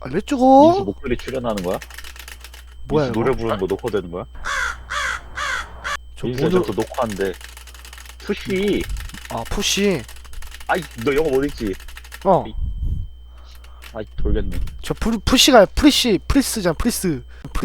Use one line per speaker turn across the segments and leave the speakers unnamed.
알려주고.
민수 목소리 출연하는 거야?
뭐야
민수
이거?
노래 부르는 거 녹화되는 거야?
저
민수
모두
저또 녹화한데 푸시.
아 푸시.
아이 너 영어 못 읽지?
어.
아이 돌겠네.
저 푸시가 프리시 프리스잖아. 프리스.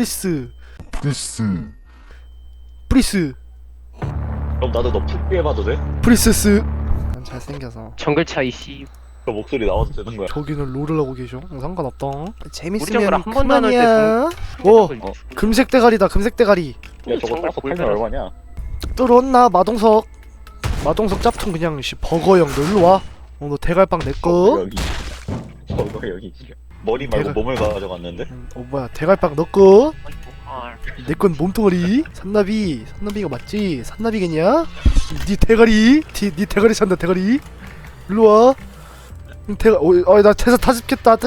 프리스.
그럼 나도 너 푸시 해봐도 돼?
프리세스. 난 잘생겨서.
정글차 이씨.
그 목소리 나와도 되는 거야?
저기는 롤을 하고 계셔. 상관없다.
우리 정글
재밌으면
한 번도 안 할 때
그만이야. 오 금색 대가리다. 금색 대가리.
야 저거
정글
따서
골
팔면
달았어.
얼마냐?
뚫었나 마동석. 마동석 짭퉁 그냥 씨 버거형 너 일로 와. 너 대갈빵 내꺼.
여기. 여기. 머리 말고
대가-
몸을 가져갔는데?
뭐야 대갈빵 너꺼.
아,
내건 몸뚱어리. 산나비가 맞지? 산나비겠냐? 니 대가리. 니 대가리 찬다 대가리. 일로 와. 나 퇴사 타집겠다.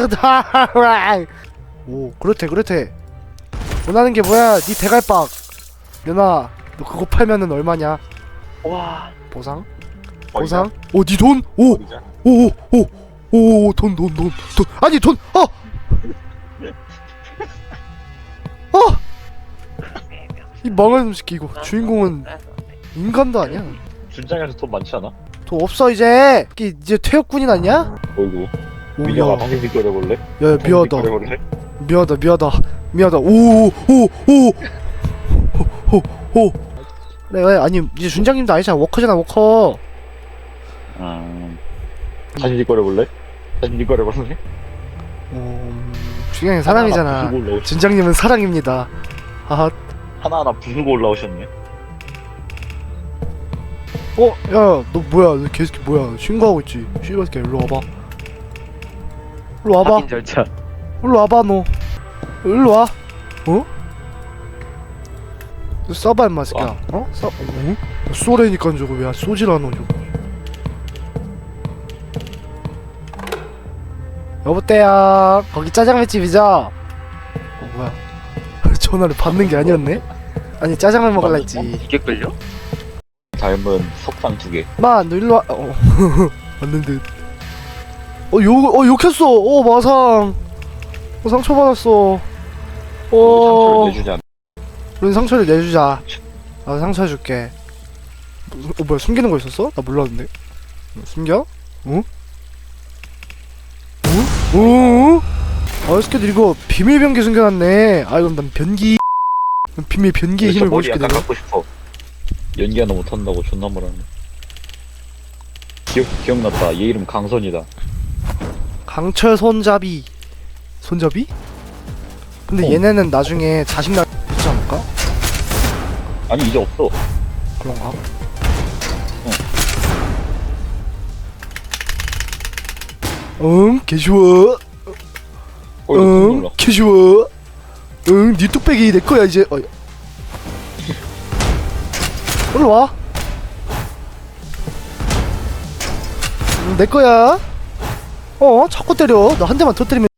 오 그렇대. 원하는 게 뭐야? 니 대갈빵. 연아 너 그거 팔면은 얼마냐?
와.
보상?
버리자.
보상? 니 돈?
버리자.
돈 아니 돈 이 망한 새끼 이거 주인공은 인간도 아니야.
준장에서 돈 많지 않아?
돈 없어 이제. 이제 퇴역군인 아니야?
어이구. 민혁아 방금 뒷거려볼래?
야 미안하다 그래 아니 이제 준장님도 아니잖아. 워커잖아 워커.
다시 뒷거려볼래?
준장님 사람이잖아. 준장님은 사랑입니다. 아
하나하나 부수고 올라오셨네.
야 너 뭐야 너 개새끼 뭐야 신고하고 있지. 씨발새끼 일로 와봐.
확인 절차.
일로 와봐 너. 일로 와. 어? 너 쏴봐 임마 새끼야. 쏘래니까 저거 왜 쏘질 않아 저거. 여보때야 거기 짜장면집이죠? 뭐야 전화를 받는 게 아니었네? 아니 짜장면 먹을라 했지.
이게 끌려?
닮은 석상 2개.
마 너 일로 와. 왔는데 욕했어. 마상 상처받았어.
상처를 내주지 않아.
우린 상처를 내주자. 나도 상처 줄게. 뭐야 숨기는 거 있었어? 나 몰랐는데. 숨겨? 응? 응? 이 새끼들 이거 비밀 변기 숨겨놨네. 그럼 난 변기. 비밀 변기의 힘을
머리
보여줄게
약간
내가.
갖고 싶어. 연기 하나 못한다고 존나 뭐라네. 기억났다. 얘 이름 강선이다.
강철 손잡이. 손잡이? 근데 얘네는 나중에 자식 낳지 않을까?
아니 이제 없어.
그런가? 개쉬워. 개쉬워. 니 뚝배기 내 거야 이제. 일로 와. 내 거야. 자꾸 때려. 나 한 대만 터뜨리면